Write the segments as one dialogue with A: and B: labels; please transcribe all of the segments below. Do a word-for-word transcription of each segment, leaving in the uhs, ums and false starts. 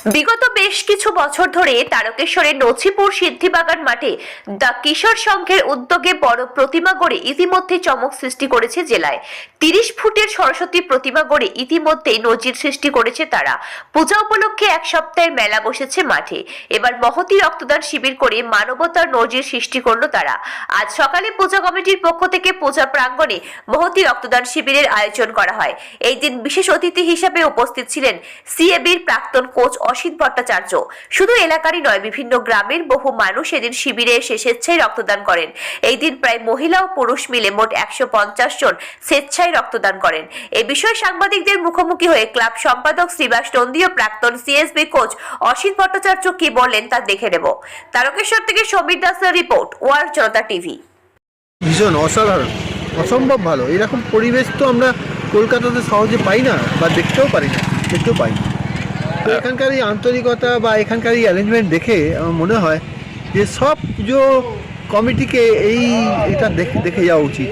A: বিগত বেশ কিছু বছর ধরে তারকেশ্বরের নছিপুর সিদ্ধিবাগান মাঠে দ্য কিশোর সংঘের উদ্যোগে বড় প্রতিমা গড়ে ইতিমধ্যে চমক সৃষ্টি করেছে জেলায়। তিরিশ ফুটের সরস্বতী প্রতিমা গড়ে ইতিমধ্যেই নজির সৃষ্টি করেছে তারা। পূজা উপলক্ষে এক সপ্তাহের মেলা বসেছে মাঠে। এবার মহতী রক্তদান শিবির করে মানবতার নজির সৃষ্টি করলো তারা। আজ সকালে পূজা কমিটির পক্ষ থেকে পূজা প্রাঙ্গণে মহতী রক্তদান শিবিরের আয়োজন করা হয়। এই দিন বিশেষ অতিথি হিসেবে উপস্থিত ছিলেন সিএবির প্রাক্তন কোচ অসিত ভট্টাচার্য। শুধু এলাকারই নয়, বিভিন্ন গ্রামের বহু মানুষ এদিন শিবিরে এসে স্বেচ্ছায় রক্তদান করেন। এই দিন প্রায় মহিলা ও পুরুষ মিলে মোট একশো পঞ্চাশ জন স্বেচ্ছায় রক্তদান করেন। এই বিষয়ে সাংবাদিকদের মুখোমুখি হয়ে ক্লাব সম্পাদক শ্রীবাস নন্দী ও প্রাক্তন সিএসবি কোচ অসিত ভট্টাচার্য কি বললেন তা দেখে নেব। তারকেশ্বর থেকে সমীর দাসের রিপোর্ট, ওয়ার জনতা টিভি।
B: ভীষণ অসাধারণ, অসম্ভব ভালো। এরকম পরিবেশ তো আমরা কলকাতাতে সহজে পাই না, বা দেখতেও পারি না, দেখতেও পাই না। তো এখানকার এই আন্তরিকতা বা এখানকার এই অ্যারেঞ্জমেন্ট দেখে আমার মনে হয় যে সব পুজো কমিটিকে এই এটা দেখে দেখে যাওয়া উচিত।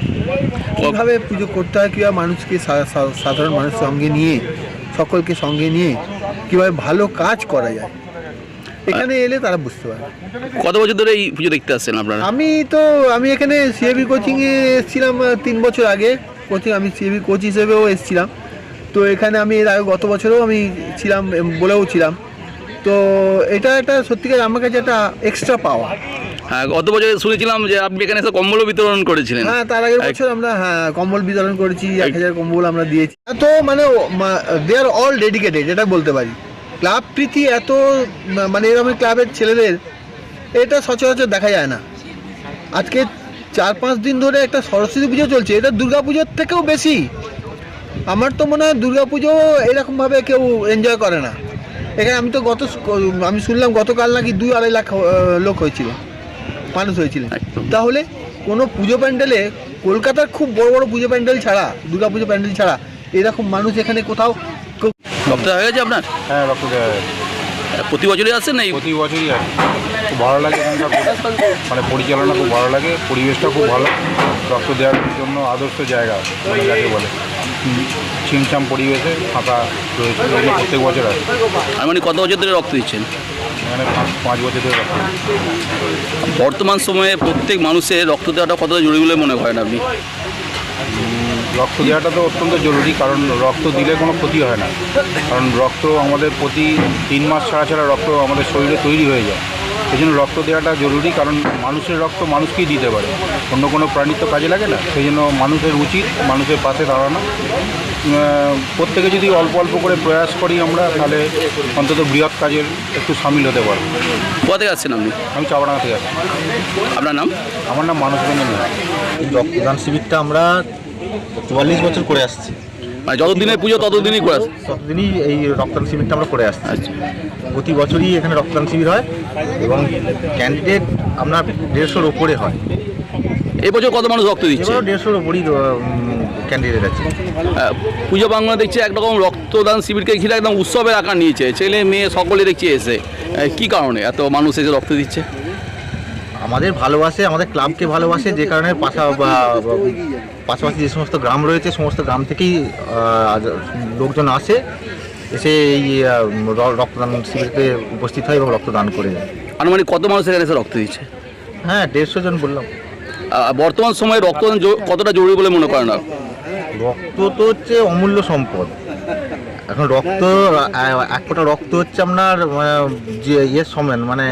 B: কীভাবে পুজো করতে হয়, কীভাবে মানুষকে সাধারণ মানুষ সঙ্গে নিয়ে, সকলকে সঙ্গে নিয়ে কীভাবে ভালো কাজ করা যায়, এখানে এলে তারা বুঝতে পারে।
C: কত বছর ধরে এই পুজো দেখতে আসছেন আপনারা?
B: আমি তো আমি এখানে সিএবি কোচিংয়ে এসেছিলাম তিন বছর আগে। কোচিং আমি সিএবি কোচ হিসেবেও এসেছিলাম। তো এখানে আমি এর আগে গত বছরেও আমি ছিলাম, বলেও ছিলাম। তো এটা একটা সত্যিকার আমার কাছে একটা এক্সট্রা পাওয়া।
C: হ্যাঁ, গত বছর শুনেছিলাম যে আপনি এখানে এসে কম্বল বিতরণ করেছিলেন।
B: হ্যাঁ, তার আগের বছর আমরা হ্যাঁ কম্বল বিতরণ করেছি, এক হাজার কম্বল আমরা দিয়েছি। তো মানে দে আর অল ডেডিকেটেড, এটা বলতে পারি। ক্লাব প্রীতি এত, মানে এরকম ক্লাবের ছেলেদের এটা সচরাচর দেখা যায় না। আজকে চার পাঁচ দিন ধরে একটা সরস্বতী পুজো চলছে, এটা দুর্গা পুজোর থেকেও বেশি। আমার তো মনে হয় দুর্গা পুজো এরকমভাবে কেউ এনজয় করে না। এখানে আমি তো গত আমি শুনলাম গতকাল নাকি দুই আড়াই লাখ লোক হয়েছিল, মানুষ হয়েছিল। তাহলে কোনো পুজো প্যান্ডেলে, কলকাতার খুব বড় বড় পুজো প্যান্ডেল ছাড়া, দুর্গা পুজো প্যান্ডেল ছাড়া এরকম মানুষ এখানে কোথাও।
C: রক্ত হয়ে গেছে আপনার?
D: হ্যাঁ, রক্ত দেওয়া হয়।
C: প্রতি বছরই আসছেন না?
D: প্রতি বছরই আর খুব ভালো লাগে এখানকার, মানে পরিচালনা খুব ভালো লাগে, পরিবেশটা খুব ভালো। রক্ত দেওয়ার জন্য আদর্শ জায়গা, মানে যাকে বলে ছিমছাম পরিবেশে ফাঁকা রয়েছে, এগুলো প্রত্যেক বছর আসে।
C: আর মানে কত বছর ধরে রক্ত দিচ্ছেন?
D: এখানে পাঁচ বছর ধরে রক্ত।
C: বর্তমান সময়ে প্রত্যেক মানুষের রক্ত দেওয়াটা কতটা জরুরি বলে মনে করেন আপনি?
D: রক্ত দেওয়াটা তো অত্যন্ত জরুরি, কারণ রক্ত দিলে কোনো ক্ষতি হয় না। কারণ রক্ত আমাদের প্রতি তিন মাস ছাড়া ছাড়া রক্ত আমাদের শরীরে তৈরি হয়ে যায়। সেই জন্য রক্ত দেওয়াটা জরুরি, কারণ মানুষের রক্ত মানুষকেই দিতে পারে, অন্য কোনো প্রাণীর তো কাজে লাগে না। সেই জন্য মানুষের উচিত মানুষের পাশে দাঁড়ানো। প্রত্যেকে যদি অল্প অল্প করে প্রয়াস করি আমরা, তাহলে অন্তত বৃহৎ কাজের একটু সামিল হতে পারবো।
C: কোথা থেকে আসছেন আপনি?
D: আমি চাপড়াঙ্গা থেকে আসছি।
C: আপনার নাম?
D: আমার নাম মানস রঞ্জন।
E: এই রক্তদান শিবিরটা আমরা চুয়াল্লিশ বছর করে আসছি।
C: মানে যতদিনের পুজো ততদিনই করে আসছেন?
E: ততদিনই এই রক্তদান শিবিরটা আমরা করে আসছি।
C: আচ্ছা,
E: প্রতি বছরই এখানে রক্তদান শিবির হয় এবং ক্যান্ডিডেট আপনার দেড়শোর ওপরে হয়।
C: এই বছর কত মানুষ রক্ত দিচ্ছে?
E: এবারও দেড়শোর ওপরই ক্যান্ডিডেট আছে।
C: পুজো বাংলা দেখছি একরকম রক্তদান শিবিরকে ঘিরে একদম উৎসবের আকার নিয়েছে, ছেলে মেয়ে সকলে দেখছি এসে। কি কারণে এত মানুষ এসে রক্ত দিচ্ছে?
E: আমাদের ভালোবাসে, আমাদের ক্লাবকে ভালোবাসে, যে কারণে পাশা পাশাপাশি যে সমস্ত গ্রাম রয়েছে সমস্ত গ্রাম থেকেই লোকজন আসে, এসে এই রক্তদান শিবিরকে উপস্থিত হয় এবং রক্তদান করে যায়।
C: আনুমানিক কত মানুষ এখানে এসে রক্ত দিচ্ছে?
E: হ্যাঁ, দেড়শো জন বললাম।
C: বর্তমান সময়ে রক্তদান কতটা জরুরি বলে মনে করেন?
E: রক্ত তো হচ্ছে অমূল্য সম্পদ। এখন রক্ত, এক ফোঁটা রক্ত হচ্ছে আপনার যে ইয়ের সমান, মানে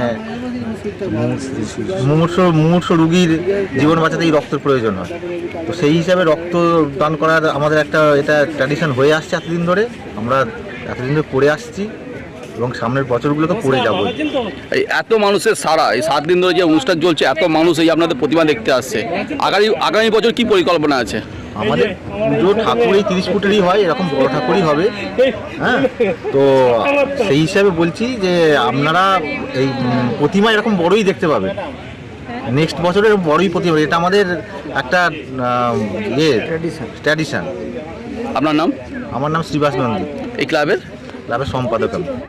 E: মুমূর্ষ মুমূর্ষ রুগীর জীবন বাঁচাতে এই রক্তের প্রয়োজন হয়। তো সেই হিসাবে রক্ত দান করার আমাদের একটা এটা ট্র্যাডিশন হয়ে আসছে এতদিন ধরে, আমরা এতদিন ধরে করে আসছি এবং সামনের বছরগুলো তো করে যাবো।
C: এই এত মানুষের সারা, এই সাত দিন ধরে যে অনুষ্ঠান চলছে, এত মানুষ এই আপনাদের প্রতিমা দেখতে আসছে, আগামী আগামী বছর কি পরিকল্পনা আছে?
E: আমাদের পুজো ঠাকুর এই তিরিশ ফুটেরই হয়, এরকম বড় ঠাকুরই হবে। হ্যাঁ, তো সেই হিসাবে বলছি যে আপনারা এই প্রতিমা এরকম বড়ই দেখতে পাবেন নেক্সট বছরের, বড়ই প্রতিমা। এটা আমাদের একটা ইয়ে ট্র্যাডিশন।
C: আপনার নাম?
E: আমার নাম শ্রীবাস নন্দী,
C: এই ক্লাবের
E: ক্লাবের সম্পাদক আমি।